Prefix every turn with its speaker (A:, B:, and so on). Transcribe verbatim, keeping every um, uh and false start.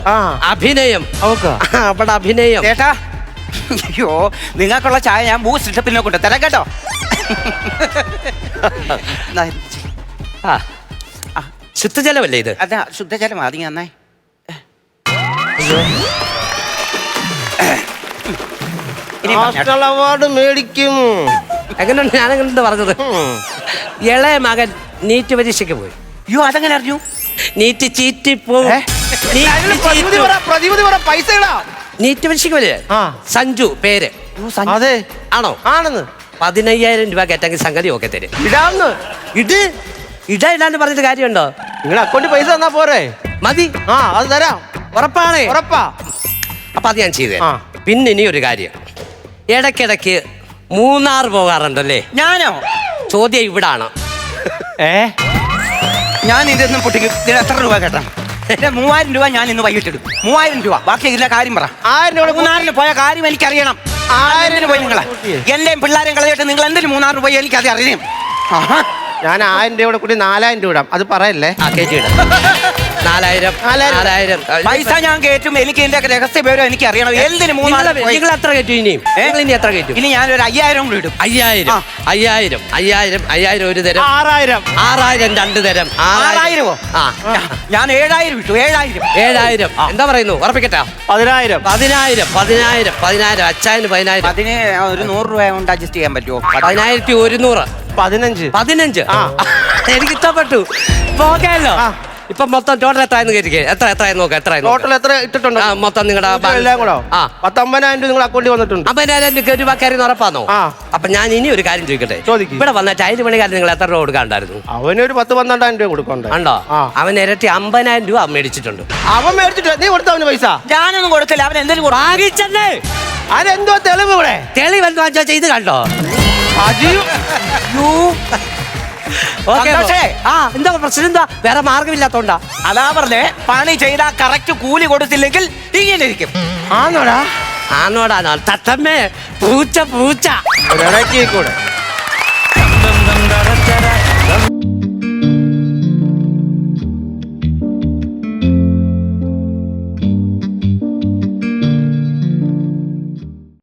A: അഭിനയം അവിടെ അഭിനയം.
B: ചേട്ടാ അയ്യോ നിങ്ങൾക്കുള്ള ചായ ഞാൻ ബൂസ്റ്റ് പിന്നെ കൊണ്ട് തരാം കേട്ടോ.
A: ആ ശുദ്ധജലമല്ലേ ഇത്?
B: അതെ ശുദ്ധജലം അത് നന്നേ.
C: അവാർഡ് മേടിക്കും.
A: എങ്ങനെയുണ്ട്? ഞാനെങ്ങനെ പറഞ്ഞത്? ഇളയ മകൻ നീറ്റ് പരീക്ഷയ്ക്ക് പോയി.
B: അയ്യോ അതെങ്ങനെ അറിഞ്ഞു?
A: നീറ്റ് ചീറ്റി പോകും. നീറ്റ് പരീക്ഷയ്ക്ക് പോലെ സഞ്ജു പേര്.
C: അതെ
A: ആണോ?
C: ആണെന്ന്.
A: പതിനയ്യായിരം രൂപ കേട്ടെങ്കിൽ സംഗതി ഒക്കെ തരും.
C: ഇടാന്ന്
A: ഇത് ഇട ഇടാന്ന് പറഞ്ഞിട്ട് കാര്യമുണ്ടോ?
C: നിങ്ങൾ അക്കൗണ്ടിൽ പൈസ തന്നാ പോരെ?
A: മതി.
C: ആ അത് തരാം.
A: ഉറപ്പാണ്?
C: ഉറപ്പാ.
A: അപ്പൊ അത് ഞാൻ ചെയ്തേ. പിന്നെ ഇനി ഒരു കാര്യം, ഇടയ്ക്കിടയ്ക്ക് മൂന്നാർ പോകാറുണ്ടല്ലേ?
B: ഞാനോ?
A: ചോദ്യം ഇവിടാണ്.
C: ഏ
B: ഞാൻ ഇതൊന്നും പൊട്ടിക്കും. ഇതിന് എത്ര രൂപ കേട്ടാ? മൂവായിരം രൂപ ഞാൻ ഇന്ന് വൈകിട്ടിടും. മൂവായിരം രൂപ. ബാക്കി ഇതിന്റെ കാര്യം പറ.
C: ആയിരം രൂപ
B: മൂന്നാറിന് പോയ കാര്യം എനിക്കറിയണം. ആയിരം പോയി നിങ്ങളെ എന്റെയും പിള്ളേരെയും കളയിട്ട് നിങ്ങൾ എന്തെങ്കിലും മൂന്നാറ് പോയി എനിക്കത് അറിയാം.
C: ഞാൻ ആയിരം രൂപയുടെ കൂടി നാലായിരം രൂപ ഇടാം. അത് പറയല്ലേ?
A: ആ കേട്ടിടാം. നാലായിരം നാലായിരം
B: പൈസ ഞാൻ കയറ്റും. എനിക്ക് ഇതിന്റെ രഹസ്യ വിവരം എനിക്ക് അറിയണം. എന്തിന് മൂന്നാറ്
A: നിങ്ങൾ എത്ര കയറ്റും? ഇനിയും ഇനി എത്ര കയറ്റും?
B: ഇനി ഞാനൊരു അയ്യായിരം കൂടി ഇടും.
A: അയ്യായിരം അയ്യായിരം അയ്യായിരം അയ്യായിരം ഒരു തരം.
C: ആറായിരം
A: ആറായിരം രണ്ട് തരം.
B: ആറായിരമോ?
A: ആ
B: ഞാൻ ഏഴായിരം ഇട്ടു. ഏഴായിരം
A: ഏഴായിരം എന്താ പറയുന്നു? ഉറപ്പിക്കട്ടെ.
C: പതിനായിരം
A: പതിനായിരം പതിനായിരം പതിനായിരം അച്ചായന് പതിനായിരം.
B: അതിന് ഒരു നൂറ് രൂപ കൊണ്ട് അഡ്ജസ്റ്റ് ചെയ്യാൻ പറ്റുമോ?
A: പതിനായിരത്തി ഒരുന്നൂറ്.
C: പതിനഞ്ച്
A: പതിനഞ്ച് എനിക്ക് ഇഷ്ടപ്പെട്ടു. പോകാമല്ലോ. ഇപ്പൊ മൊത്തം ടോട്ടൽ എത്രയെന്ന് കേട്ടിരിക്കേ? എത്ര എത്രയെന്ന് നോക്കാം. എത്ര
C: ടോട്ടൽ എത്ര ഇട്ടിട്ടുണ്ട്?
A: മൊത്തം നിങ്ങളുടെ
C: എല്ലാം കൂടെ പത്തൊമ്പതിനായിരം രൂപ നിങ്ങൾ അക്കൗണ്ടിൽ വന്നിട്ടുണ്ട്.
A: അമ്പതിനായിരം രൂപ കയറി ഉറപ്പാന്നോ? അപ്പൊ ഞാൻ ഇനി ഒരു കാര്യം ചോദിക്കട്ടെ. ഇവിടെ വന്ന ടൈല് പണിക്കാരൻ നിങ്ങൾ എത്ര രൂപ കൊടുക്കാണ്ടായിരുന്നു?
C: അവനൊരു പത്ത് പന്ത്രണ്ടായിരം രൂപ കൊടുക്കണ്ടോ?
A: ഉണ്ടോ? അവൻ ഇരട്ടി അമ്പതിനായിരം രൂപ മേടിച്ചിട്ടുണ്ട്.
C: അവൻ മേടിച്ചിട്ട് നീ കൊടുത്ത അവന് പൈസ?
B: ഞാനൊന്നും കൊടുക്കില്ല. അവൻ എന്തെങ്കിലും
A: വാങ്ങിച്ചല്ലേ?
C: അതെന്തോ തെളിവ് ഇവിടെ?
A: തെളിവ് എന്താ വെച്ചാ ചെയ്ത് കണ്ടോ? ആ എന്താ പ്രശ്നം? എന്താ വേറെ മാർഗമില്ലാത്തോണ്ടാ?
B: അതാ പറഞ്ഞേ, പണി ചെയ്താ കറക്റ്റ് കൂലി കൊടുത്തില്ലെങ്കിൽ ഇങ്ങനെ ഇരിക്കും.
C: ആന്നോടാ?
A: ആന്നോടാ തത്തമ്മേ പൂച്ച പൂച്ച
C: കൂടെ